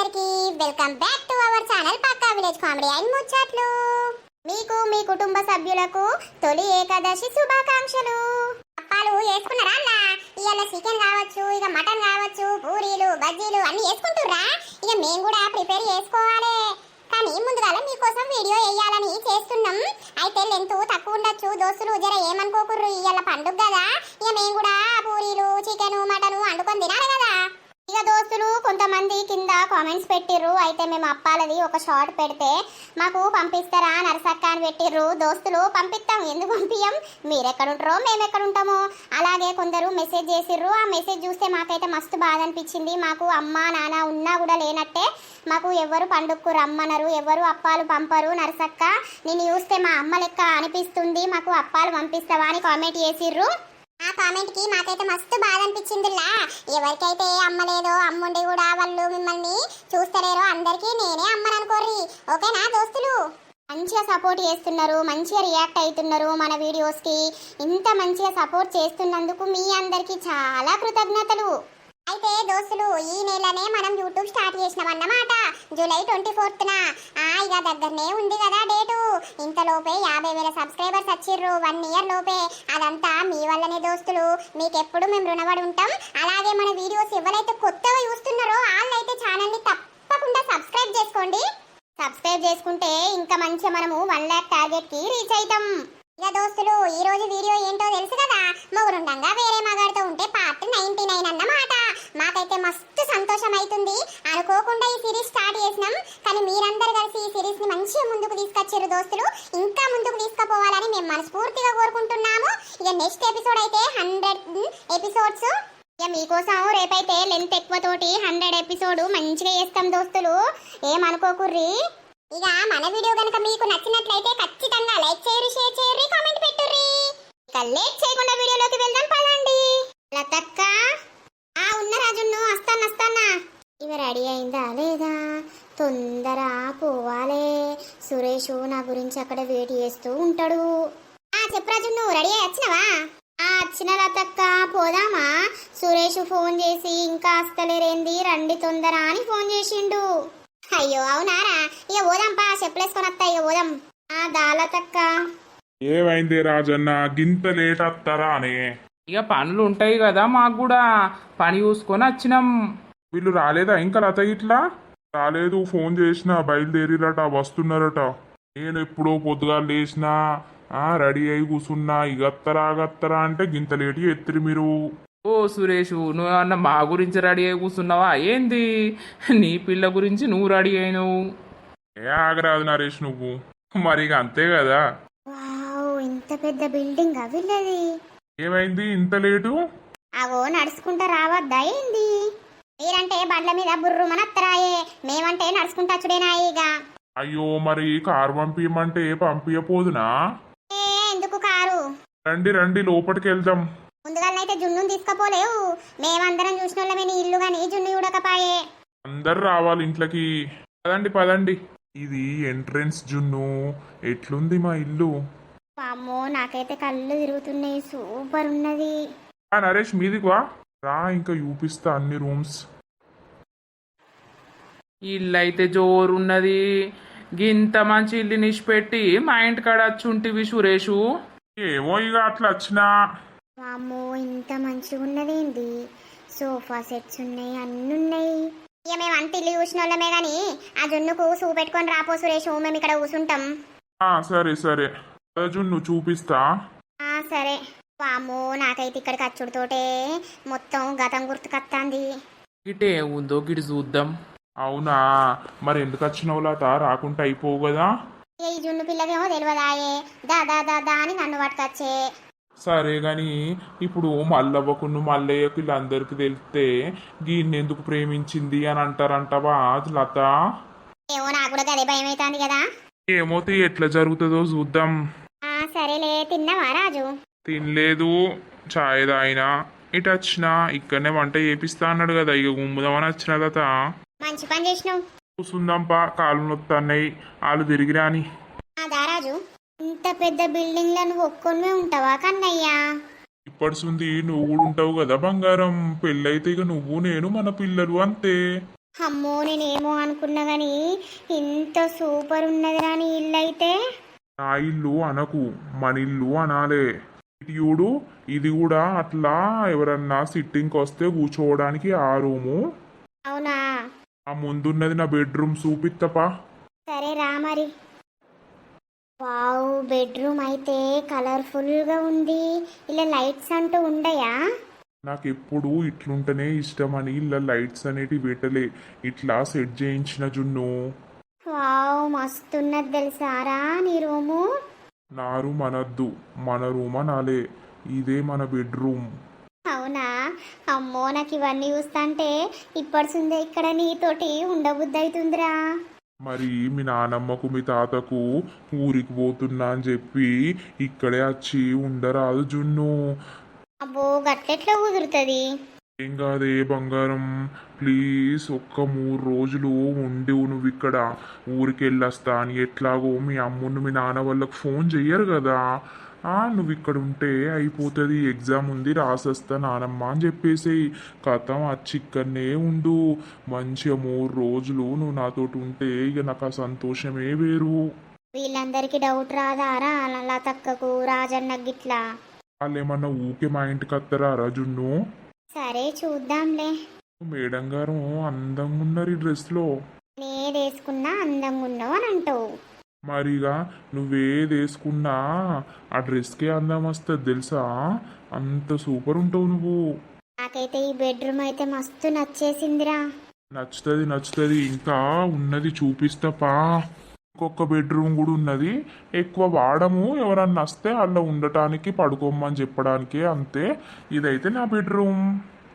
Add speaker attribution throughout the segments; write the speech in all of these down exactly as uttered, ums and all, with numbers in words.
Speaker 1: అందరికీ welcome back to our channel పక్కా village comedy and ముచ్చట్లు. మీకు మీ కుటుంబ సభ్యులకు తొలి ఏకాదశి శుభాకాంక్షలు. అప్పాలు వేసుకున్నారా అన్న? ఇవాళ చికెన్ కావచ్చు, ఇక మటన్ కావచ్చు, పూరీలు బజ్జీలు అన్ని వేసుకుంటుర్రా? ఇక మేము కూడా ప్రిపేర్ చేసుకోవాలి. కానీ ముందుగా మీకోసం వీడియో వేయాలని చేస్తున్నాం. అయితే లెంత్ తక్కువ ఉండొచ్చు దోస్తులు, జర ఏమనుకోకుర్రు. ఇవాళ పండుగ కదా, ఇక మేము కూడా పూరీలు చికెన్ మటన్ వండుకొని తినాలి కదా. ఇక దోస్తులు కొంతమంది కింద కామెంట్స్ పెట్టిర్రు. అయితే మేము అప్పాలది ఒక షార్ట్ పెడితే మాకు పంపిస్తారా నరసక్క అని పెట్టిర్రు. దోస్తులు పంపిస్తాం, ఎందుకు పంపించం? మీరెక్కడుంటారో మేము ఎక్కడుంటామో. అలాగే కొందరు మెసేజ్ చేసిర్రు. ఆ మెసేజ్ చూస్తే మాకైతే మస్తు బాధ అనిపించింది. మాకు అమ్మ నాన్న ఉన్నా కూడా లేనట్టే. మాకు ఎవరు పండుగకు రమ్మనరు, ఎవరు అప్పాలు పంపరు. నరసక్క నేను చూస్తే మా అమ్మ లెక్క అనిపిస్తుంది, మాకు అప్పాలు పంపిస్తావా అని కామెంట్ చేసిర్రు. ఆ కామెంట్ కి మాకైతే మస్తు బాధ అనిపించిందిలా. ఎవరికైతే అమ్మ లేదో, అమ్ముండి కూడా వాళ్ళు మిమ్మల్ని చూస్తలేరో అందరికీ నేనే అమ్మని అనుకోర్రి. ఓకేనా దోస్తులు? మంచిగా సపోర్ట్ చేస్తున్నారు, మంచిగా రియాక్ట్ అవుతున్నారు మన వీడియోస్ కి. ఇంత మంచిగా సపోర్ట్ చేస్తున్నందుకు మీ అందరికీ చాలా కృతజ్ఞతలు. అయితే దోస్తులు ఈ నెలనే మనం యూట్యూబ్ స్టార్ట్ చేసినాం అన్నమాట. జూలై ట్వంటీ ఫోర్త్న ఇక దగ్గరనే ఉంది కదా డేటు. ఇంతలోపే యాభై వేల సబ్స్క్రైబర్స్ వచ్చిర్రు వన్ ఇయర్ లోపే. అదంతా మీ వల్లనే దోస్తులు, మీకెప్పుడు మేము రుణపడి ఉంటాం. అలాగే మన వీడియోస్ ఎవరైతే కొత్తగా చూస్తున్నారో వాళ్ళైతే ఛానల్ని తప్పకుండా సబ్స్క్రైబ్ చేసుకోండి. సబ్స్క్రైబ్ చేసుకుంటే ఇంకా మంచిగా మనము వన్ ల్యాక్ టార్గెట్ కి రీచ్ అవుతాం. ఇక దోస్తులు ఈ రోజు వీడియో ఏంటో తెలుసు కదా, మొగురుండంగా వేరే మగాడితో ఉంటే పార్ట్ నైన్టీ నైన్ అన్నమాట. మాకైతే మస్తు సంతోషం అవుతుంది. అనుకోకుండా ఈ సిరీస్ స్టార్ట్ చేసినాం, కానీ మీరందరూ కలిసి ఈ సిరీస్ ని మంచిగా ముందుకు తీసుకొచ్చారు దోస్తులు. ఇంకా ముందుకు తీసుకుపోవాలని మేము మనస్ఫూర్తిగా కోరుకుంటున్నాము. ఇక నెక్స్ట్ ఎపిసోడ్ అయితే హండ్రెడ్ ఎపిసోడ్స్. ఇక మీకోసం రేపైతే లెంత్ ఎక్కువ తోటి హండ్రెడ్ ఎపిసోడ్ మంచిగా చేస్తాం దోస్తులు, ఏమనుకోకుర్రి. ఇక మన వీడియో కనుక మీకు నచ్చినట్లయితే ఖచ్చితంగా లైక్ చేయరు, షేర్ చేయరు, కామెంట్ పెట్టుర్రి. ఇక లేట్ చేయకుండా వీడియోలోకి వెళ్దాం పదండి. లతక్క ఆ ఉన్న రాజును వస్తాను వస్తానా. ఇవ రెడీ అయిందా లేదా? తొందర పోవాలే. సురేష్ నా గురించి అక్కడ వెయిట్ చేస్తూ ఉంటాడు. ఆ చెప్పు రాజు, నువ్వు రెడీ అయ్యి వచ్చినవా? ఆ వచ్చిన లతక్క, పోదామా? సురేష్ ఫోన్ చేసి ఇంకా వస్తలేరేంది, రండి తొందర అని ఫోన్ చేసిండు. అయ్యో అవునారా? ఇక పోదాంపా, చెప్పులేసుకొని వస్తా. ఇక పోదాం. ఆ దాలతక్క
Speaker 2: ఏమైంది రాజన్న, గింత లేట్ వస్తారా అని?
Speaker 3: ఇక పనులు ఉంటాయి కదా మాకు కూడా, పని చూసుకొని వచ్చినాం.
Speaker 2: వీళ్ళు రాలేదా ఇంకా? లత ఇట్లా రాలేదు, ఫోన్ చేసిన బయలుదేరిరట, వస్తున్నారట. నేను ఎప్పుడో పొద్దుగా లేచినా రెడీ అయి కూర్చున్నా. ఇగత్తరా గత్తరా అంటే గింత లేట్ ఎత్తిరి మీరు.
Speaker 3: ఓ సురేష్, నువ్వేమన్నా మా గురించి రెడీ అయి కూర్చున్నావా ఏంది? నీ పిల్ల గురించి నువ్వు రెడీ అయినావు.
Speaker 2: ఏ ఆగరాదు నరేష్ నువ్వు, మరి ఇక అంతే కదా.
Speaker 1: వావ్, ఇంత పెద్ద బిల్డింగ్ అవిల్లది.
Speaker 2: ఏమైంది ఇంత లేటు?
Speaker 1: అవో నడుచుకుంటా రావద్దా ఏంది? మీరంటే బండ్ల మీద బుర్రుమని అత్తరాయే, మేమంటే నడుచుకుంటా చుడేనాయిగా.
Speaker 2: అయ్యో మరి కారు పంపించమంటే పంపించపోదునా?
Speaker 1: ఏ ఎందుకు కారు?
Speaker 2: రండి రండి లోపలికి వెళ్దాం.
Speaker 1: ముందుగానైతే జున్నుని తీసుకపోలేవు. మేమందరం చూసిన వాళ్ళమే నీ ఇల్లు గాని జున్ను చూడకపాయే.
Speaker 2: అందరు రావాలి ఇంట్లోకి. పదండి పదండి. ఇది ఎంట్రెన్స్ జున్ను. ఎట్లుంది మా ఇల్లు?
Speaker 1: అమ్మో నాకైతే కళ్ళు తిరుగుతున్నాయి, సూపర్ ఉన్నది.
Speaker 2: ఆ నరేష్ మీదికి వా రా, ఇంకా చూపిస్తా అన్ని రూమ్స్.
Speaker 3: ఇల్లు అయితే జోరున్నది. గింత మంచి ఇల్లు నిష్పెట్టి మా ఇంటికాడ వచ్చుంటివి సురేషు.
Speaker 2: ఏమో ఇక అట్లా వచ్చినా.
Speaker 1: అమ్మో ఇంత మంచిగా ఉన్నదేంది? సోఫా సెట్స్ ఉన్నాయి, అన్ని ఉన్నాయి. ఇక మేము అంత ఇల్లు చూసిన వాళ్ళమే గాని ఆ జున్నుకు సూ పెట్టుకొని రాపో సురేష్, మేము ఇక్కడ కూర్చుంటాం.
Speaker 2: ఆ సరే సరే జున్ను చూపిస్తా.
Speaker 1: ఆ సరే. వామ్మో నాకైతే ఇక్కడికి వచ్చుడుతోటే మొత్తం గతం గుర్తుకొత్తాంది.
Speaker 3: ఇటే ఉందో గిడి చూద్దాం.
Speaker 2: అవునా, మరి ఎందుకు వచ్చినావు లత? రాకుంటే అయిపోవు కదా.
Speaker 1: ఈ జున్ను పిల్లకేమో తెలియదాయే, దా దా దా దా అని నన్ను పట్టుకొచ్చే.
Speaker 2: సరే గాని ఇప్పుడు మల్లవ్వకును మల్లయ్యకు వీళ్ళందరికి తెలిస్తే గీన్ని ఎందుకు ప్రేమించింది అని అంటారంటవా లత?
Speaker 1: ఏమో నాకు కూడా గదే భయం అవుతుంది కదా.
Speaker 2: ఏమో తీ, ఎట్లా జరుగుతుందో చూద్దాం.
Speaker 1: ఆ సరేలే. తిన్నావా రాజు?
Speaker 2: తినలేదు, ఛాయ్ తాగినా. ఇటు వచ్చినా, ఇక్కడనే వంట చేపిస్తా అన్నాడు కదా, ఇక గుమ్ముదామని వచ్చిన లత.
Speaker 1: మంచి పని చేసినావు.
Speaker 2: కూసుందాంపా, కాళ్ళు నొత్తన్నాయి, వాళ్ళు తిరిగిరాని.
Speaker 1: ఆ దారాజు, ఇంత పెద్ద బిల్డింగ్ లో నువ్వు ఒక్కొనివే ఉంటావా కన్నయ్యా?
Speaker 2: ఇప్పటి సుంది నువ్వు కూడా ఉంటావు కదా బంగారం. పెళ్ళైతే ఇక నువ్వు నేను మన పిల్లలు అంతే.
Speaker 1: అమ్మో నేనేమో అనుకున్నా గాని ఇంత సూపర్ ఉన్నది రాని ఇల్లు అయితే.
Speaker 2: నా ఇల్లు అనకు, మన ఇల్లు అనాలే. ఇటు చూడు, ఇది కూడా అట్లా ఎవరన్నా సిట్టింగ్కి వస్తే కూర్చోవడానికి ఆ రూము.
Speaker 1: అవునా?
Speaker 2: ఆ ముందున్నది నా బెడ్రూమ్ చూపిత్తపా.
Speaker 1: సరే రా మరి. వావ్, బెడ్రూమ్ అయితే కలర్ఫుల్ గా ఉంది. ఇలా లైట్స్ అంటూ ఉండయా?
Speaker 2: నాకు ఎప్పుడు ఇట్లుంటేనే ఇష్టమని ఇలా లైట్స్ అనేటివి పెట్టలే, ఇట్లా సెట్ చేయించిన జున్ను.
Speaker 1: వావ్, మస్తున్నది తెలుసారా నీ రూము.
Speaker 2: నా రూమ్ అనద్దు, మన రూమ్ అనాలే. ఇదే మన బెడ్రూమ్.
Speaker 1: అవునా? అమ్మో నాకు ఇవన్నీ చూస్తాంటే ఇప్పటిసుందే ఇక్కడ నీతోటి ఉండబుద్ధి అవుతుందిరా.
Speaker 2: మరి మీ నానమ్మకు మీ తాతకు ఊరికి పోతున్నా అని చెప్పి ఇక్కడే వచ్చి ఉండరాదు జున్ను.
Speaker 1: అబ్బో గట్లెట్లా కుదురుతుంది?
Speaker 2: ఏం కాదే బంగారం, ప్లీజ్ ఒక్క మూడు రోజులు ఉండి నువ్వు ఇక్కడ. ఊరికి వెళ్ళొస్తా అని ఎట్లాగో మీ అమ్మును మీ నాన్న వాళ్ళకు ఫోన్ చెయ్యరు కదా. ఆ నువ్వు ఇక్కడ ఉంటే అయిపోతుంది, ఎగ్జామ్ ఉంది రాసేస్తా నానమ్మ అని చెప్పేసి కథం వచ్చి ఇక్కడనే ఉండు. మంచిగా మూడు రోజులు నువ్వు నాతోటి ఉంటే ఇక నాకు ఆ సంతోషమే వేరు.
Speaker 1: వీళ్ళందరికీ డౌట్ రాదారా లతక్కకు రాజన్న గిట్లా?
Speaker 2: వాళ్ళు ఏమన్నా ఊకే మా ఇంటికి వస్తారా రజున్ను?
Speaker 1: సరే చూద్దాంలే.
Speaker 2: మేడం గారు అందంగా ఉన్నారు ఈ డ్రెస్లో.
Speaker 1: నేదేసుకున్నా అందంగా ఉన్నావు అని అంటావు.
Speaker 2: మరిగా నువ్వేది వేసుకున్నా ఆ డ్రెస్కే అందం వస్తుంది తెలుసా. అంత సూపర్ ఉంటావు నువ్వు.
Speaker 1: నాకైతే ఈ బెడ్రూమ్ అయితే మస్తు నచ్చేసిందిరా.
Speaker 2: నచ్చుతుంది నచ్చుతుంది, ఇంకా ఉన్నది చూపిస్తాపా. ఇంకొక బెడ్రూమ్ కూడా ఉన్నది, ఎక్కువ వాడము, ఎవరన్నా వస్తే అలా ఉండటానికి పడుకోమని చెప్పడానికి అంతే. ఇదైతే నా బెడ్రూమ్.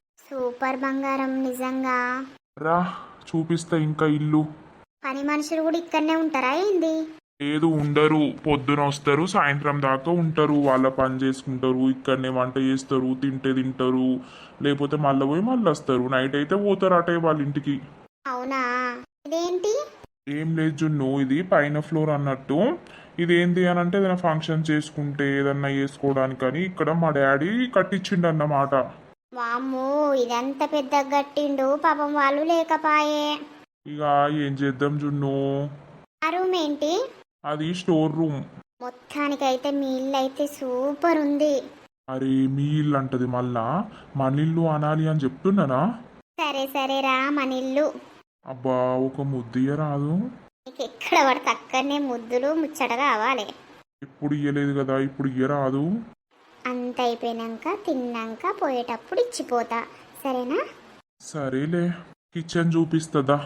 Speaker 1: సూపర్ బంగారం నిజంగా.
Speaker 2: రా చూపిస్తా ఇంకా ఇల్లు.
Speaker 1: పని మనుషులు కూడా ఇక్కడనే ఉంటారా ఏంది?
Speaker 2: లేదు ఉండరు, పొద్దున వస్తారు సాయంత్రం దాకా ఉంటారు, వాళ్ళ పని చేసుకుంటారు, ఇక్కడనే వంట చేస్తారు, తింటే తింటారు, లేకపోతే మళ్ళీ పోయి మళ్ళీ వస్తారు. నైట్ అయితే పోతారు అటే వాళ్ళ ఇంటికి.
Speaker 1: అవునా? ఇదేంటి?
Speaker 2: ఏం లేదు జున్ను, ఇది పైన ఫ్లోర్ అన్నట్టు. ఇదేంటి అని అంటే ఏదైనా ఫంక్షన్ చేసుకుంటే ఏదన్నా చేసుకోవడానికని ఇక్కడ మా డాడీ కట్టించిండు అన్నమాట.
Speaker 1: వామ్మో, ఇదంత పెద్ద గట్టిండు, పాపం వాళ్ళు లేకపాయే.
Speaker 2: ఇక ఏం చేద్దాం జున్ను.
Speaker 1: ఆ రూమ్ ఏంటి?
Speaker 2: అది స్టోర్ రూమ్.
Speaker 1: మొత్తానికైతే మీ ఇల్లు అయితే సూపర్ ఉంది.
Speaker 2: అరే మీ ఇల్లు అంటది మళ్ళా మన ఇల్లు అనాలి అని చెప్తున్నానా.
Speaker 1: సరే సరేరా మన ఇల్లు.
Speaker 2: అబ్బా ఒక ముద్దియ రాదు?
Speaker 1: నీకు ఎక్కడ పడితే అక్కడనే ముద్దులు ముచ్చట కావాలి.
Speaker 2: ఇప్పుడు ఇయ్యలేదు కదా, ఇప్పుడు ఇయ్య రాదు.
Speaker 1: అంత అయిపోయినాక తిన్నాక పోయేటప్పుడు ఇచ్చిపోతా, సరేనా?
Speaker 2: సరేలే, కిచెన్ చూపిస్తుందా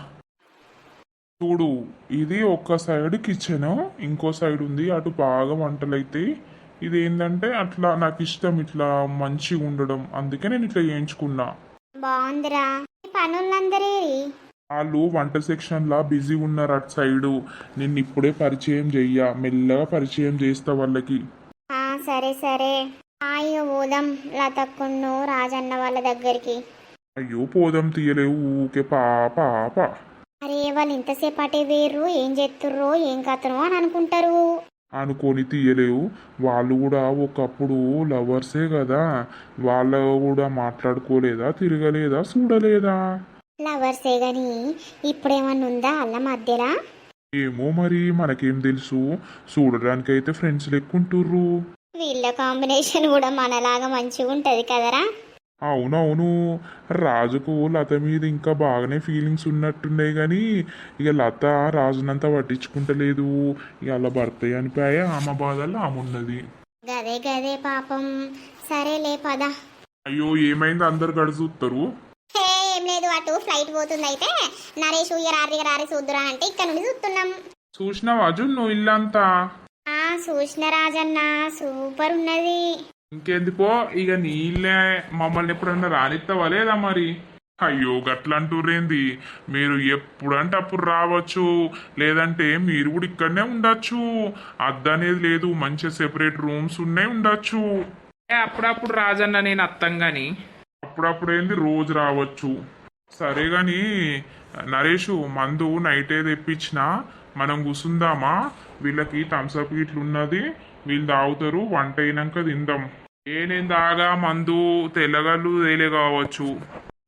Speaker 2: చూడు. ఇది ఒక సైడ్ కిచెన్, ఇంకో సైడ్ ఉంది అటు బాగా వంటలైతే. ఇది ఏంటంటే అట్లా నాకు ఇష్టం, ఇట్లా మంచిగా ఉండడం, అందుకే నేను ఇట్లా చేయించుకున్నా.
Speaker 1: బాగుందిరా. ఈ పనులందరే
Speaker 2: వాళ్ళు వంట సెక్షన్లా బిజీ ఉన్నారు అటు సైడు. నిన్ను ఇప్పుడే పరిచయం చెయ్య, మెల్లగా పరిచయం చేస్తా వాళ్ళకి.
Speaker 1: ఆ సరే సరే. అయ్యో పోదాం లతక్కును రాజన్న వాళ్ళ దగ్గరికి.
Speaker 2: అయ్యో పోదాం తీయలేవు ఊకే పాప పాప.
Speaker 1: అరే వాళ్ళు ఇంతసేపు అటే వేర్రు, ఏం చేస్తుర్రో ఏం కథనో అని అనుకుంటారు.
Speaker 2: అనుకొని తీయలేవు, వాళ్ళు కూడా ఒకప్పుడు లవర్సే కదా. వాళ్ళ కూడా మాట్లాడుకోలేదా, తిరగలేదా, చూడలేదా?
Speaker 1: లవర్సే గాని ఇప్పుడేమన్నా ఉందా అల్ల మధ్యలా?
Speaker 2: ఏమో మరి మనకేం తెలుసు, చూడడానికైతే ఫ్రెండ్స్ లెక్కుంటుర్రు.
Speaker 1: వీళ్ళ కాంబినేషన్ కూడా మనలాగా మంచిగా ఉంటది కదరా.
Speaker 2: అవునవును, రాజుకు లత మీద ఇంకా బాగానే ఫీలింగ్స్ ఉన్నట్టున్నాయి కానీ ఇక లత రాజునంతా పట్టించుకుంటలేదు. ఇక అలా భర్త అనిపోయా, ఆమె బాధల్లో ఆమె ఉన్నది.
Speaker 1: గదే గదే పాపం. సరేలే పద.
Speaker 2: అయ్యో ఏమైంది అందరు గడుచుతారు?
Speaker 1: హే ఏం లేదు, అటు ఫ్లైట్ పోతుంది అయితే నరేష్ రారి రారి చూద్దురా అంటే ఇక్కడ నుండి చూస్తున్నాం.
Speaker 2: చూసినావా జున్ను ఇల్లంతా?
Speaker 1: ఆ చూసిన రాజన్న, సూపర్ ఉన్నది.
Speaker 2: ఇంకేంది పో, ఇక నీళ్ళే మమ్మల్ని ఎప్పుడన్నా రానిస్తావా లేదా మరి? అయ్యో గట్లంటూరేంది, మీరు ఎప్పుడంటే అప్పుడు రావచ్చు, లేదంటే మీరు కూడా ఇక్కడనే ఉండొచ్చు. అద్దనేది లేదు, మంచి సెపరేట్ రూమ్స్ ఉన్నాయి, ఉండొచ్చు.
Speaker 3: ఏ అప్పుడప్పుడు రాజన్న నేను అత్తం గాని.
Speaker 2: అప్పుడప్పుడు ఏంది రోజు రావచ్చు. సరే గాని నరేషు, మందు నైటే తెప్పించిన, మనం కూసుందామా? వీళ్ళకి థమ్స్అప్ ఇట్లున్నది, వీళ్ళు తాగుతారు, వంట అయినాక తిందాం. ఏ నేను తాగా మందు తెల్లగళ్ళు తేలే కావచ్చు.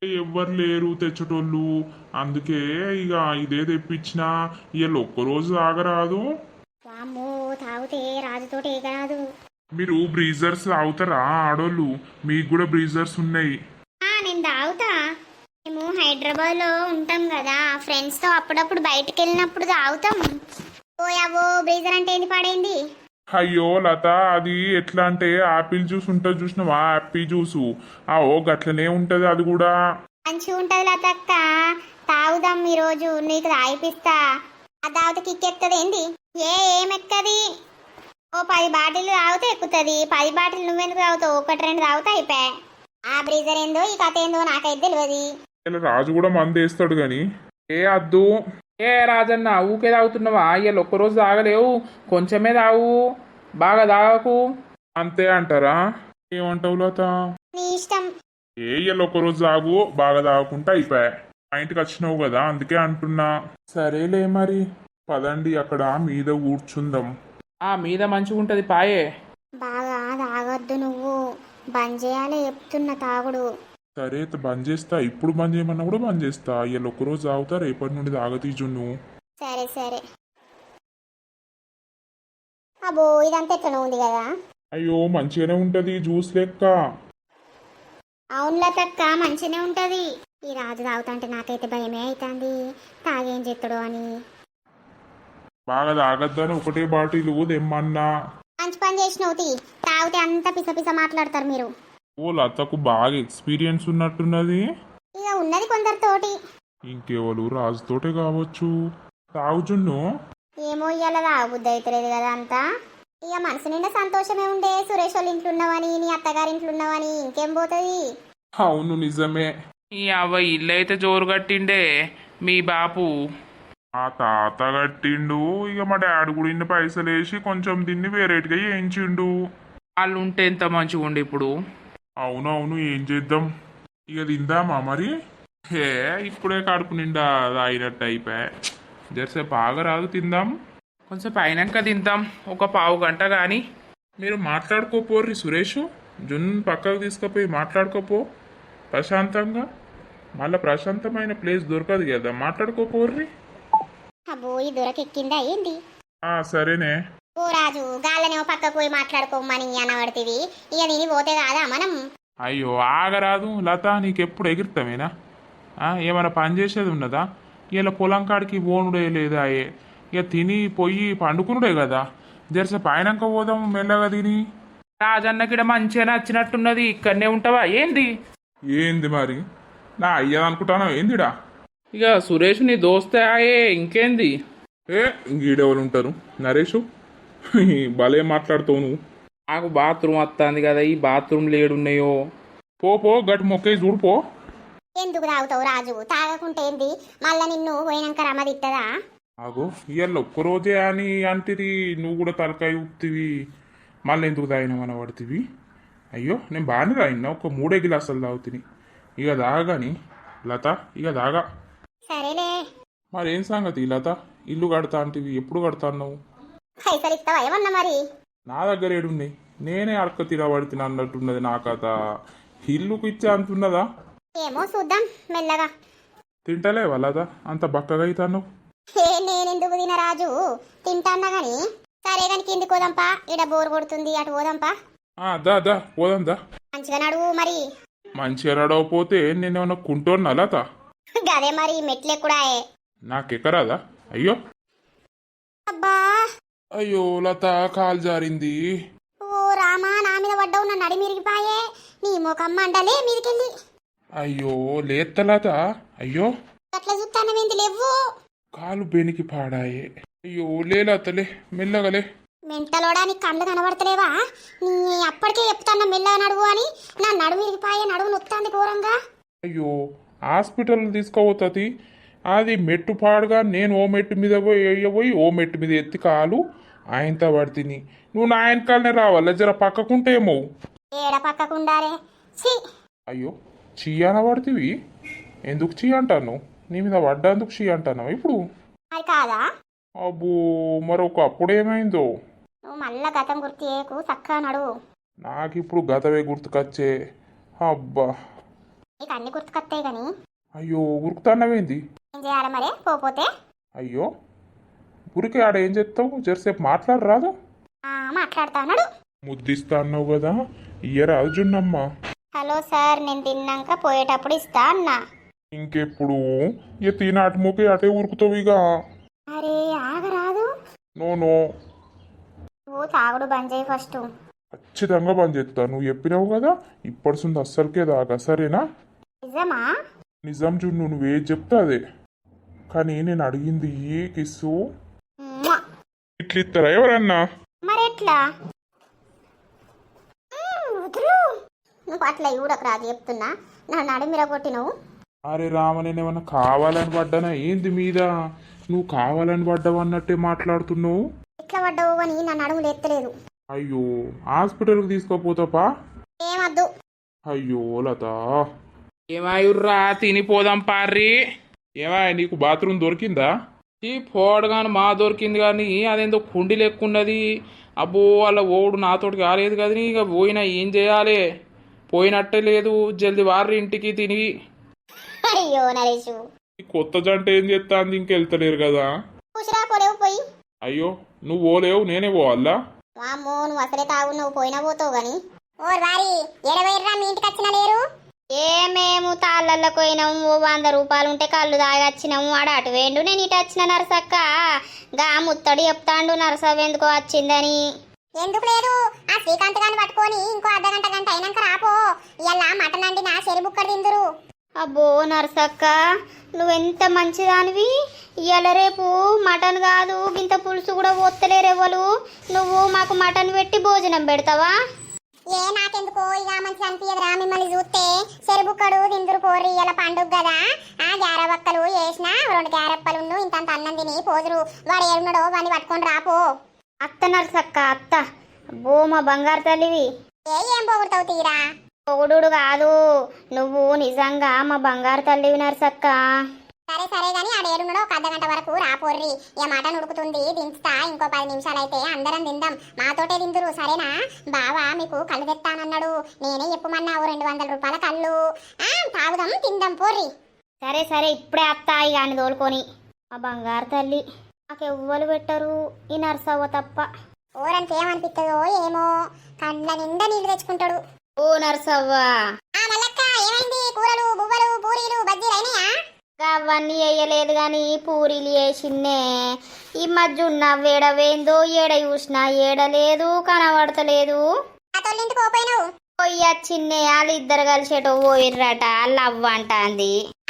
Speaker 2: ఎవ్వరు లేరు తెచ్చేటోళ్ళు. అందుకే ఇక ఇదే తెప్పించినా. ఇవాళ ఒక్కరోజు తాగరాదు.
Speaker 1: వామ్మో తాగితే రాజుతోటి ఏ కాదు.
Speaker 2: మీరు బ్రీజర్స్ తాగుతారా ఆడోళ్ళు? మీకు కూడా బ్రీజర్స్ ఉన్నాయి.
Speaker 1: ఆ, నేను తాగుతా. మేము హైదరాబాద్ లో ఉంటాం కదా, ఫ్రెండ్స్ తో అప్పుడప్పుడు బయటకు వెళ్ళినప్పుడు తాగుతాం. ఓ అవో బ్రీజర్ అంటే ఏంది పాడైంది?
Speaker 2: అయ్యో లత, అది ఎట్లా అంటే ఆపిల్ జ్యూస్ ఉంటుంది చూసినావా, యాపిల్ జ్యూసు. ఆ ఓ గట్లనే ఉంటది అది కూడా.
Speaker 1: మంచిగా ఉంటది లతక్క, తాగుదాం ఈ రోజు, నీకు తాగిపిస్తా. ఆ తాగితే కిక్ ఎక్కుతుంది ఏంది? ఏ ఏమెక్కది? ఓ పది బాటిల్ తాగితే ఎక్కుతుంది. పది బాటిల్ నువ్వెందుకు తాగుతావు? ఒకటి రెండు తాగితే అయిపోయా. ఆ బ్రీజర్ ఏందో ఈ కథ ఏందో నాకైతే తెలియదు.
Speaker 2: ఇలా రాజు కూడా మంది వేస్తాడు గాని. ఏ అద్దు.
Speaker 3: ఏ రాజన్న ఊకే తాగుతున్నావా? ఇవాళ ఒక్కరోజు తాగలేవు, కొంచెమే తాగు, బాగా తాగకు.
Speaker 2: అంతే అంటారా? ఏమంటావు లత?
Speaker 1: నీ ఇష్టం.
Speaker 2: ఏ ఇవాళ ఒక్కరోజు తాగు, బాగా తాగకుండా అయిపోయా. మా ఇంటికి వచ్చినావు కదా అందుకే అంటున్నా. సరేలే మరి, పదండి అక్కడ మీద కూర్చుందాం.
Speaker 3: ఆ మీద మంచిగా ఉంటది పాయే.
Speaker 1: బాగా తాగొద్దు నువ్వు, బంద్ చేయాలి చెప్తున్న తాగుడు.
Speaker 2: సరే అయితే బంద్ చేస్తా. ఇప్పుడు బంద్ చేయమన్నా కూడా బంద్ చేస్తా. ఇవాళ ఒక్కరోజు తాగుతా, రేపటి నుండి తాగతీజున్ను.
Speaker 1: సరే సరే. అబ్బో ఇదంతా ఎట్లా ఉంది కదా.
Speaker 2: అయ్యో మంచిగానే ఉంటది జ్యూస్ లెక్క.
Speaker 1: అవును లతక్క, మంచిగానే ఉంటది. ఈ రాజు తాగుతుంటే నాకైతే భయమే అవుతుంది, తాగేం చేస్తాడు అని.
Speaker 2: బాగా తాగద్దని ఒకటే బాటిల్ తెమ్మన్నా.
Speaker 1: మంచి పని చేసినవు తీ, తాగితే అంతా పిస పిస మాట్లాడతారు మీరు.
Speaker 2: ఓ లతకు బాగా ఎక్స్పీరియన్స్ ఉన్నట్టున్నది.
Speaker 1: ఇక ఉన్నది కొందరితోటి.
Speaker 2: ఇంకెవరు రాజుతోటే కావచ్చు. తాగుచున్ను.
Speaker 1: ఏమో ఇవాళ తాగబుద్ధి అవుతలేదు కదా అంతా. ఇక మనసు నిండా సంతోషమే ఉండే, సురేష్ వాళ్ళ ఇంట్లో ఉన్నవని, నీ అత్తగారి ఇంట్లో ఉన్నవని. ఇంకేం పోతుంది?
Speaker 2: అవును నిజమే.
Speaker 3: ఈ అవ్వ ఇల్లు అయితే జోరు కట్టిండే మీ బాపు.
Speaker 2: ఆ తాత కట్టిండు. ఇక మా డాడీ కూడా ఇన్ని పైసలు వేసి కొంచెం దీన్ని వేరేటిగా వేయించిండు.
Speaker 3: వాళ్ళు ఉంటే ఎంత మంచిగా ఉండే ఇప్పుడు.
Speaker 2: అవును అవును, ఏం చేద్దాం. ఇక తిందామా మరి? హే ఇప్పుడే కడుపు నిండా అయినట్టు అయిపోయా. జరసేపు బాగా రాదు, తిందాం.
Speaker 3: కొంచెం పైనాక తిందాం, ఒక పావు గంట కానీ.
Speaker 2: మీరు మాట్లాడుకోపోర్రి సురేష్. జున్ పక్కకు తీసుకుపోయి మాట్లాడుకోపో ప్రశాంతంగా. మళ్ళీ ప్రశాంతమైన ప్లేస్ దొరకదు కదా, మాట్లాడుకోపోర్రి.
Speaker 1: అబ్బో ఈ దొరకెక్కిందా ఏంది?
Speaker 2: ఆ సరేనే.
Speaker 1: ఓ రాజు, గాళ్ళనేమో పక్కకు పోయి మాట్లాడుకోమని అనబడుతుంది. ఇక దీని పోతే కాదా మనం?
Speaker 2: అయ్యో ఆగరాదు లత, నీకెప్పుడు ఎగురుతామేనా? ఏమైనా పని చేసేది ఉన్నదా? ఇలా పొలం కాడికి పోనుడే లేదా? ఏ ఇక తిని పొయ్యి పండుకునుడే కదా. జరసే పైనాక పోదాం మెల్లగా తిని.
Speaker 3: రాజన్నకిడ మంచిగా నచ్చినట్టున్నది, ఇక్కడనే ఉంటావా ఏంది?
Speaker 2: ఏంది మరి? నా అయ్యా అనుకుంటాను ఏందిడా?
Speaker 3: ఇక సురేష్ నీ దోస్తే ఆయే, ఇంకేంది?
Speaker 2: ఏ ఇంకీడెవరు ఉంటారు? నరేషు భలే మాట్లాడుతావు నువ్వు.
Speaker 3: నాకు బాత్రూమ్ వస్తుంది కదా, ఈ బాత్రూమ్ లేడున్నాయో.
Speaker 2: పో పో గట్టి మొక్కే చూడుపో.
Speaker 1: ఎందుకు తాగుతావు రాజు? తాగకుంటే ఏంది? మళ్ళా నిన్ను పోయినాక రమ్మదిట్టదా?
Speaker 2: ఆగో ఇవాళ ఒక్కరోజే అని అంటిది, నువ్వు కూడా తలకాయ ఊపుతివి. మళ్ళీ ఎందుకు తాగినామని పడుతుంది? అయ్యో నేను బాగానే తాగినా, ఒక మూడే గిలాసాలు తాగుతుంది. ఇక దాగాని లత, ఇక దాగా.
Speaker 1: సరేలే.
Speaker 2: మరేం సంగతి లత? ఇల్లు కడతా అంటివి, ఎప్పుడు కడతా అన్నావు?
Speaker 1: పైసలు ఇస్తావా ఏమన్నా మరి?
Speaker 2: నా దగ్గర ఏడున్నాయి, నేనే అడక తినబడుతున్నా అన్నట్టున్నది నా కథ. ఇల్లుకు ఇచ్చే అంటున్నదా?
Speaker 1: ఏమో చూద్దాం మెల్లగా.
Speaker 2: తింటలేవా లత? అంత బక్కగా అవుతాను.
Speaker 1: ఏ నేనెందుకు తిన రాజు, తింటాన్నా గాని. సరే కానీ కింది పోదాంపా, ఇడ బోర్ కొడుతుంది, అటు పోదాంపా.
Speaker 2: దా దా పోదాం దా.
Speaker 1: మంచిగా నడువు మరి.
Speaker 2: మంచిగా నడవపోతే నేనేమన్నా కుంటోన్నా లత?
Speaker 1: గదే మరి, మెట్లెక్కుడాయే.
Speaker 2: నాకెక్కరాదా? అయ్యో
Speaker 1: అబ్బా
Speaker 2: అయ్యో లత, కాలు జారింది.
Speaker 1: ఓ రామా, నా మీద పడ్డావు, నా నడి మిరిగిపాయే. నీ మొకమ్మ అంటలే మీదికెళ్ళి.
Speaker 2: అయ్యో లేత లత. అయ్యో
Speaker 1: అట్లా చూస్తానవేంది? లేవు.
Speaker 2: కాలు బెనికి పాడాయే. అయ్యో లే లతలే, మెల్లగలే.
Speaker 1: మెంటలోడా, నీ కళ్ళు కనబడతలేవా? నీ అప్పటికే చెప్తాన్నా మెల్లగా నడువు అని. నా నడుము విరిగిపాయే, నడువు నొత్తాంది ఘోరంగా.
Speaker 2: అయ్యో హాస్పిటల్ తీసుకోవతుంది. అది మెట్టు పాడుగా నేను ఓ మెట్టు మీద పోయి వేయబోయి ఓ మెట్టు మీద ఎత్తి కాలు ఆయనతో పడుతుంది. నువ్వు నా ఆయన కాలనే రావాల, జర పక్కకుంటేమో.
Speaker 1: ఏడ పక్కకుండారే. ఛీ.
Speaker 2: అయ్యో చీయన పడుతుంది. ఎందుకు చీ అంటాను? నీ మీద పడ్డందుకు చీ అంటాను ఇప్పుడు.
Speaker 1: అది కాదా?
Speaker 2: అబ్బో మరొక అప్పుడేమైందో.
Speaker 1: నువ్వు మళ్ళా గతం గుర్తు చేయకు, చక్కగా నడువు.
Speaker 2: నాకు ఇప్పుడు గతవే గుర్తుకొచ్చే. అబ్బా
Speaker 1: నీకు అన్ని గుర్తుకొస్తాయి కానీ
Speaker 2: అయ్యో ఉరుకుతాన్నవేంది?
Speaker 1: ఏం చేయాలి మరే పోపోతే?
Speaker 2: అయ్యో ఊరికే ఆడ ఏం చెప్తావు? జరసేపు మాట్లాడరాదు?
Speaker 1: ఆ, మాట్లాడతా అన్నాడు.
Speaker 2: ముద్దిస్తా అన్నావు కదా, ఇయ్యరా జున్నమ్మ.
Speaker 1: హలో సార్, నేను తిన్నాక పోయేటప్పుడు ఇస్తా అన్నా.
Speaker 2: ఇంకెప్పుడు ఇక తిన అటుముకి అటే ఉరుకుతావు ఇక.
Speaker 1: అరే ఆగరాదు.
Speaker 2: నో నో,
Speaker 1: నువ్వు తాగుడు బంద్ చేయి ఫస్ట్.
Speaker 2: ఖచ్చితంగా బంద్ చేస్తా. నువ్వు చెప్పినావు కదా ఇప్పటిసుంది అస్సలకే దాకా, సరేనా?
Speaker 1: నిజమా?
Speaker 2: నిజం జున్ను, నువ్వేది చెప్తా అదే. కానీ నేను అడిగింది ఏ కిస్సు
Speaker 1: మ్వా.
Speaker 2: ఇట్లా ఇస్తారా ఎవరన్నా?
Speaker 1: మరెట్లా? మ్మ్, వదులు. నువ్వు అట్లా ఇవ్వడకు రాదు చెప్తున్నా. నా నడిమిర కొట్టినవు.
Speaker 2: అరే రామ, నేను ఏమన్నా కావాలని పడ్డానా ఏంది మీద? నువ్వు కావాలని పడ్డావు అన్నట్టే మాట్లాడుతున్నావు.
Speaker 1: ఎట్లా పడ్డావు అని నా నడుములు ఎత్తలేదు.
Speaker 2: అయ్యో హాస్పిటల్కి తీసుకోపోతాపా?
Speaker 1: ఏమద్దు.
Speaker 2: అయ్యో లత,
Speaker 3: ఏమాయుర్రా తినిపోదాం పార్రి.
Speaker 2: ఏమా నీకు బాత్రూమ్ దొరికిందా?
Speaker 3: ఈ పోడగాను మా దొరికింది కానీ అదేందో కుండి లెక్కున్నది. అబ్బో వాళ్ళ ఓడు నాతోటి కాలేదు కదని ఇక పోయినా ఏం చేయాలి? పోయినట్టే లేదు. జల్ది వారి ఇంటికి తిని.
Speaker 1: అయ్యో నరేషు,
Speaker 2: ఈ కొత్త జంట ఏం చేస్తా అంది, ఇంకెళ్తలేరు కదా?
Speaker 1: కూసురా పోలేవు పోయి.
Speaker 2: అయ్యో నువ్వు పోలేవు, నేనే పోవాలా?
Speaker 1: వామ్మో, నువ్వు అసలే తాగు, నువ్వు పోయినా పోతావు గాని. ఓ వారి ఎడవైర్రా, మీ ఇంటికి వచ్చిన లేరు? ఏ మేము తాళ్ళకు పోయినాము. ఓ వంద రూపాయలు ఉంటే కళ్ళు తాగొచ్చినాము. ఆడ అటు వేండు, నేను ఇటు వచ్చిన నరసక్క. గా ముత్తడి చెప్తాండు నరసవ్వ ఎందుకో వచ్చిందని. ఎందుకు లేదు, ఆ శ్రీకాంత్ గాని పట్టుకొని ఇంకో అర్ధ గంట గంట అయినాక రాపో. ఇలా మటన్ అండి నా చెరి బుక్కడు తిందురు. అబ్బో నరసక్క, నువ్వెంత మంచిదానివి. ఇవాళ రేపు మటన్ కాదు ఇంత పులుసు కూడా పోత్తలేరెవ్వలు. నువ్వు మాకు మటన్ పెట్టి భోజనం పెడతావా? ఏ నాకెందుకో ఇక మంచిగా అనిపించదురా మిమ్మల్ని చూస్తే. చెరుబుక్కడు తిందురు పోర్రి, ఇలా పండుగ కదా. ఆ గ్యారబక్కలు వేసిన రెండు గ్యారప్పలు ఇంత అన్నం తిని పోదురు. వాడు ఏడున్నాడో వాడిని పట్టుకొని రాపో. అత్త నరసక్క అత్త. అబ్బో మా బంగారు తల్లివి. ఏ ఏం పొగుడుతావు తీరా? పొగుడు కాదు, నువ్వు నిజంగా మా బంగారు తల్లివి నరసక్క. సరే సరే గాని ఆడ ఏడున్నాడో ఒక అర్ధ గంట వరకు రాపోర్రి. ఇక మటన్ ఉడుకుతుంది, దించుతా. ఇంకో పది నిమిషాలు అయితే అందరం తిందాం. మాతోటే తిందురు సరేనా? బావా మీకు కళ్ళు తెస్తానన్నాడు, నేనే చెప్పమన్నావు రెండు వందల రూపాయల కళ్ళు. ఆ తాగుదాం తిందాం పోర్రి. సరే సరే ఇప్పుడే అత్తాయి కానీ తోలుకొని. మా బంగారు తల్లి నాకు ఎవ్వరు పెట్టరు ఈ నర్సవ్వ తప్ప. ఓరానికి ఏమనిపిస్తుందో ఏమో, కండ్ల నిండా నీళ్లు తెచ్చుకుంటాడు. ఓ నర్సవ్వ, ఏమైంది? కూరలు బువ్వలు పూరీలు బజ్జీలు అయినాయా? అవన్నీ వేయలేదు గాని పూరీలు వేసిన్నే. ఈ మధ్య ఉన్న వేడవేందో ఏడ చూసినా ఏడలేదు, కనబడతలేదు. పోయి చిన్నే వాళ్ళు ఇద్దరు కలిసేటో పోయిర్రట. వాళ్ళు అవ్వ అంటాంది.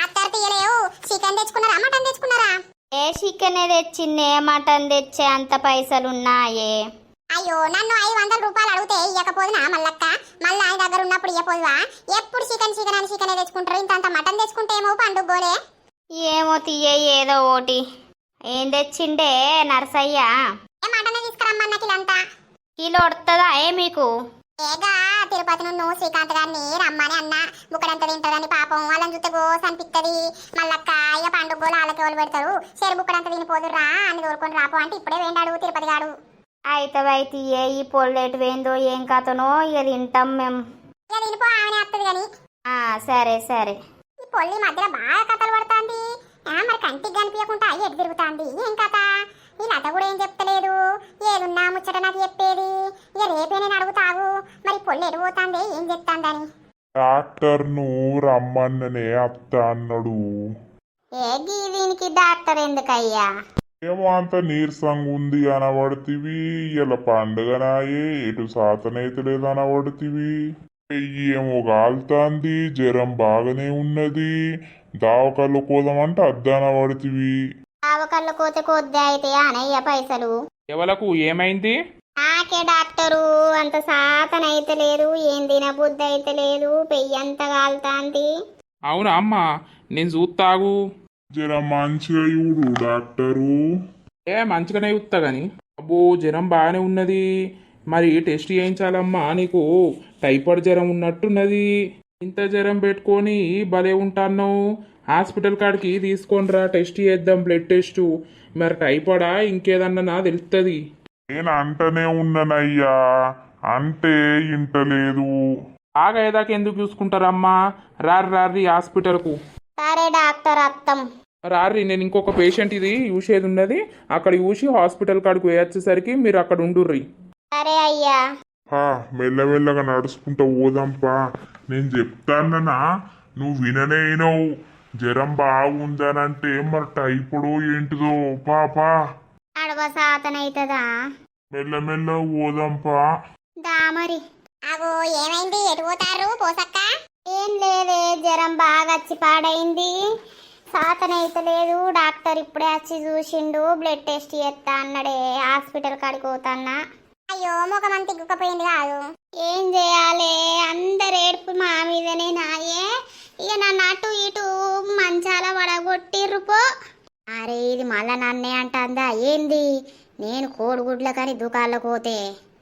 Speaker 1: చికెన్ తెచ్చుకున్నారా మటన్ తెచ్చుకున్నారా? ఏ చికెన్ తెచ్చిందే, మటన్ తెచ్చే అంత పైసలున్నాయే. అయ్యో నన్ను ఐదు వందల రూపాయలు అడిగితే ఇవ్వకపోదునా మల్లక్క? మళ్ళీ ఆయన దగ్గర ఉన్నప్పుడు ఇవ్వపోదువా? ఎప్పుడు చికెన్ చికెన్ అని చికెన్ తెచ్చుకుంటారు, ఇంత మటన్ తెచ్చుకుంటే ఏమో పండుగ గోలే. ఏమో తీయ ఏదో ఓటి. ఏం తెచ్చిండే నర్సయ్య? ఏ మటన్ తీసుకురమ్మన్న కిలంతా. కిలో వస్తుందా ఏ మీకు? ఏగా తిరుపతి నుండి శ్రీకాంత్ గారిని రమ్మని అన్న. బుక్కడంత తింటదని పాపం వాళ్ళని చూస్తే గోస్ అనిపిస్తుంది. మళ్ళక్క ఇక పండుగ గోలు వాళ్ళకి ఎవరు పెడతారు? చెరు బుక్కడంత తినిపోదురా అని తోలుకొని రాపో అంటే ఇప్పుడే వేండాడు తిరుపతి గాడు. అయితే అయితే ఈ పొల్లెటు వేందో ఏం కథనో ఇక తింటాం మేము. ఇక తినిపో, ఆమెనే వస్తుంది కానీ. సరే సరే. ఈ పొల్లి మధ్యలో బాగా కథలు పడుతుంది. మరి కంటికి కనిపించకుండా ఎటు తిరుగుతుంది ఏం కథ? ఈ లత కూడా ఏం చెప్తలేదు. ఏదున్నా ముచ్చట నాకు చెప్పేది. ఇక రేపే నేను అడుగుతావు మరి పొల్లి ఎటు పోతాంది ఏం చెప్తాందని.
Speaker 2: డాక్టర్ను రమ్మన్ననే అత్త అన్నాడు.
Speaker 1: ఏ దీనికి డాక్టర్ ఎందుకయ్యా?
Speaker 2: ఏమో అంత నీరసంగా ఉంది అనబడుతీవి. ఇలా పండుగనాయే ఎటు సాతనైతే లేదు అనబడుతీవి. పెయ్యి ఏమో కాలుతాంది, జ్వరం బాగానే ఉన్నది. దావకల్లో కోదామంటే అద్దనబడుతీవి.
Speaker 1: దావకల్లో కోతే కొద్ది అయితే అనయ్య పైసలు.
Speaker 3: ఎవలకు ఏమైంది?
Speaker 1: నాకే డాక్టరు అంత సాతనైతే లేదు, ఏం తినబుద్ధి అయితే లేదు, పెయ్యి అంత కాలుతాంది.
Speaker 3: అవునా అమ్మ, నేను చూస్తాగు.
Speaker 2: జర మంచిగా చూడు డాక్టరు.
Speaker 3: ఏ మంచిగానే చూస్తా గాని. అబ్బో జ్వరం బాగానే ఉన్నది. మరి టెస్ట్ చేయించాలమ్మా, నీకు టైఫాయిడ్ జ్వరం ఉన్నట్టున్నది. ఇంత జ్వరం పెట్టుకొని భలే ఉంటాన్నావు. హాస్పిటల్ కాడికి తీసుకొని రా, టెస్ట్ చేద్దాం, బ్లడ్ టెస్ట్. మరి టైఫాయిడా ఇంకేదన్నా నా తెలుస్తుంది.
Speaker 2: నేను అంటనే ఉన్నానయ్యా, అంటే ఇంటలేదు.
Speaker 3: బాగా ఏదాకా ఎందుకు చూసుకుంటారమ్మా? రారి రారి హాస్పిటల్కు
Speaker 1: సరే డాక్టర్ అత్తం.
Speaker 3: రారి. నేను ఇంకొక పేషెంట్ ఇది చూసేది ఉన్నది, అక్కడ చూసి హాస్పిటల్ కాడికి వచ్చేసరికి మీరు అక్కడ ఉండుర్రి.
Speaker 1: సరే అయ్యా.
Speaker 2: పా మెల్లమెల్లగా నడుచుకుంటూ పోదాంపా. నేను చెప్తానన్నా నువ్వు విననేనవు. జ్వరం బాగుందనంటే మరి టైపుడో ఏంటిదో. పాపా
Speaker 1: నడవ సాతనైతదా?
Speaker 2: మెల్లమెల్ల పోదాంపా.
Speaker 1: దా మరి. అగో ఏమైంది? ఎటు పోతారు పోసక్క? ఏం లేదే, జ్వరం బాగా వచ్చి పాడైంది, సాతనైతలేదు. డాక్టర్ ఇప్పుడే వచ్చి చూసిండు, బ్లడ్ టెస్ట్ చేస్తా అన్నాడే. హాస్పిటల్ కాడికి పోతాన్నా. అయ్యో ముఖం తిగ్గుకపోయింది కాదు. ఏం చేయాలి? అందరు ఏడుపు మా మీదనే నాయే. ఇక నన్ను అటు ఇటు మంచాల పడగొట్టిర్రు పో. అరే ఇది మళ్ళా నన్నే అంటుందా ఏంది? నేను కోడిగుడ్ల కానీ దుకాళ్ళకు పోతే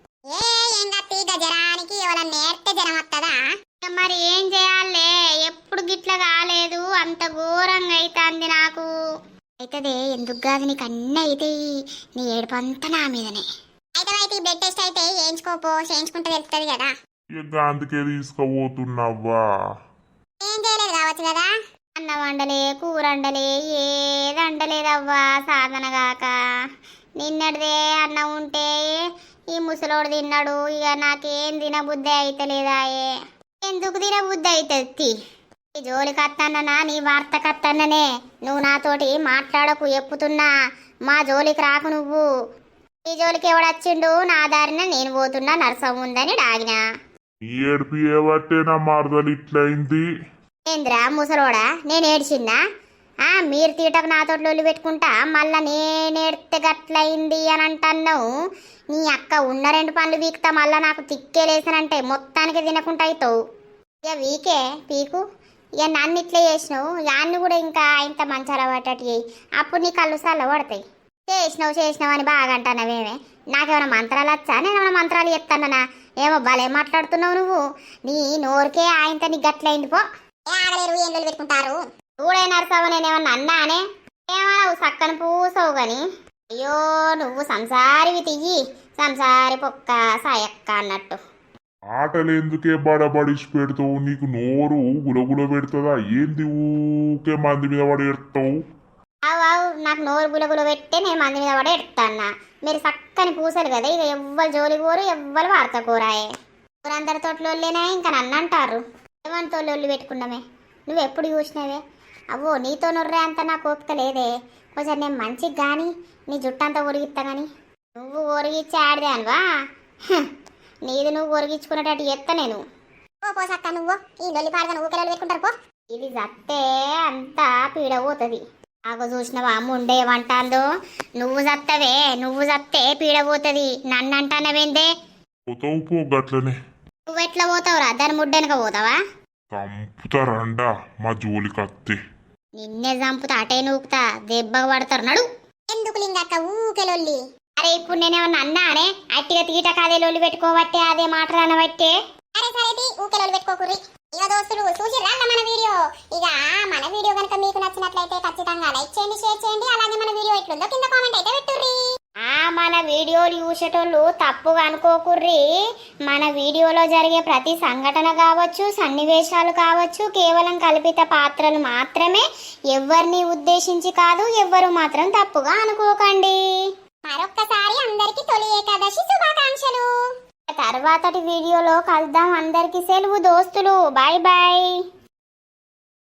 Speaker 1: జరానికి ఎవరన్నా నేర్తే జరం వస్తుందా? మరి ఏం చేయాలే? ఎప్పుడు గిట్ల కాలేదు, అంత ఘోరంగా అవుతుంది నాకు. అయితదే ఎందుకు కాదు, నీకు అన్నీ అవుతాయి. నీ ఏడుపంతా నా మీదనే. అయితే అయితే బ్లడ్ టెస్ట్ అయితే చేయించుకోపో, చేయించుకుంటే తెలుస్తుంది కదా.
Speaker 2: ఇక అందుకే తీసుకుపోతున్నావా?
Speaker 1: ఏం చేయలేదు కావచ్చు కదా. అన్నం వండలే, కూర వండలే, ఏది వండలేదవ్వా సాధన కాక. నిన్నటిదే అన్నం ఉంటే ఈ ముసలోడు తిన్నాడు. ఇక నాకేం తినబుద్ధి అయితలేదాయే. ఎందుకు తినబుద్ధి అవుతుంది? ఈ జోలికి అత్తన్ననా నీ వార్త కత్తన్ననే. నువ్వు నాతోటి మాట్లాడకు, ఎప్పుతున్నా. మా జోలికి రాకు నువ్వు. ఈ జోలికి ఎవడొచ్చిండు? నా దారిన నేను పోతున్నా, నరసం ఉందని డాగినా.
Speaker 2: ఏడుపు ఏవట్టే నా మరదలు ఇట్లయింది.
Speaker 1: ఏంద్రా ముసలోడా, నేను ఏడ్చిందా? ఆ మీరు తీటకు నాతో లొల్లి పెట్టుకుంటా మళ్ళా నేనేడితే గట్లయింది అని అంటున్నావు. నీ అక్క ఉన్న రెండు పనులు వీక్తా మళ్ళా నాకు తిక్కేలేసానంటే మొత్తానికి తినకుండా అవుతావు. ఇక వీకే పీకు. ఇక నన్ను ఇట్లా చేసినావు, యాన్ని కూడా ఇంకా ఇంత మంచాల పట్టటి చేయి. అప్పుడు నీ కళ్ళు సల్ల పడతాయి. చేసినావు చేసినావు అని బాగా అంటున్నావేమే. నాకేమైనా మంత్రాలు వచ్చా? నేను ఏమైనా మంత్రాలు చెప్తానా? ఏమో భలే మాట్లాడుతున్నావు నువ్వు. నీ నోరుకే ఆయనతో నీ గట్లయింది పో. పెట్టుకుంటారు చూడే నరసావు. నేనేమన్నా అన్నానే? ఏమన్నావు? సక్కని పూసవు గాని. అయ్యో నువ్వు సంసారివి తియ్యి, సంసారి పొక్క సాయక్క అన్నట్టు.
Speaker 2: ఆటలు ఎందుకే బడబడిసి పెడతావు? నీకు నోరు గులగుల పెడుతుందా ఏంది? ఊకే మంది మీద పడి ఎడతావు.
Speaker 1: అవు అవు నాకు నోరు గులగుల పెట్టే నేను మంది మీద పడి ఎడతాన్నా. మీరు సక్కని పూసలు కదా, ఇక ఎవ్వరు జోలి కోరు, ఎవ్వరు వార్త కూరాయే. ఊరందరి తోటలోళ్ళేనా ఇంకా నన్ను అంటారు. ఏమంతో లొల్లి పెట్టుకున్నామే. నువ్వు ఎప్పుడు చూసినావే? అవో నీతో నొర్రే అంత నాకు ఓపిక లేదే. కొంచెం నేను మంచిగా కానీ నీ జుట్టంతా ఒరిగిస్తా కానీ. నువ్వు ఒరిగిచ్చి ఆడదే అనువా? నీది నువ్వు ఒరిగించుకునేటట్టు చెప్తా నేను. ఓ పోసక్క నువ్వు ఈ లొల్లి పాడగా నువ్వు పిల్లలు పెట్టుకుంటారు పో. ఇది జత్తే అంతా పీడ పోతుంది. నాకు చూసినవా ముండే ఏమంటాందో? నువ్వు జత్తవే, నువ్వు జత్తే పీడ పోతుంది. నన్ను అంటానవేందే?
Speaker 2: పోతావు పో గట్లనే.
Speaker 1: నువ్వు ఎట్లా పోతావురా? దాని ముడ్డెనక పోతావా?
Speaker 2: చంపుతారండా మా జోలికి అత్తే.
Speaker 1: నిన్నే చంపుతా, అటే నూకుతా, దెబ్బగా పడతారు. నడు. ఎందుకు లింగక్క ఊకే లొల్లి? అరే ఇప్పుడు నేనేమన్నా అన్నానే? అట్టిగా తీట కాదే లొల్లి పెట్టుకోబట్టే అదే మాట అనబట్టే. అరే సరే ఊకే లొల్లి పెట్టుకోకుర్రి. ఇక దోస్తులు చూసిర్రా మన వీడియో? ఇక మన వీడియో కనుక మీకు నచ్చినట్లయితే ఖచ్చితంగా లైక్ చేయండి, షేర్ చేయండి. అలాగే మన వీడియో ఎట్లుందో కింద కామెంట్ అయితే పెట్టుర్రి. ఆ మన వీడియోలు చూసేటోళ్ళు తప్పుగా అనుకోకుర్రి. మన వీడియోలో జరిగే ప్రతి సంఘటన కావచ్చు, సన్నివేశాలు కావచ్చు, కేవలం కల్పిత పాత్రలు మాత్రమే. ఎవరిని ఉద్దేశించి కాదు. ఎవ్వరు మాత్రం తప్పుగా అనుకోకండి. మరొక్కసారి అందరికి తొలి ఏకాదశి శుభాకాంక్షలు. తర్వాతటి వీడియోలో కలుద్దాం. అందరికి సెలవు దోస్తులు. Bye bye.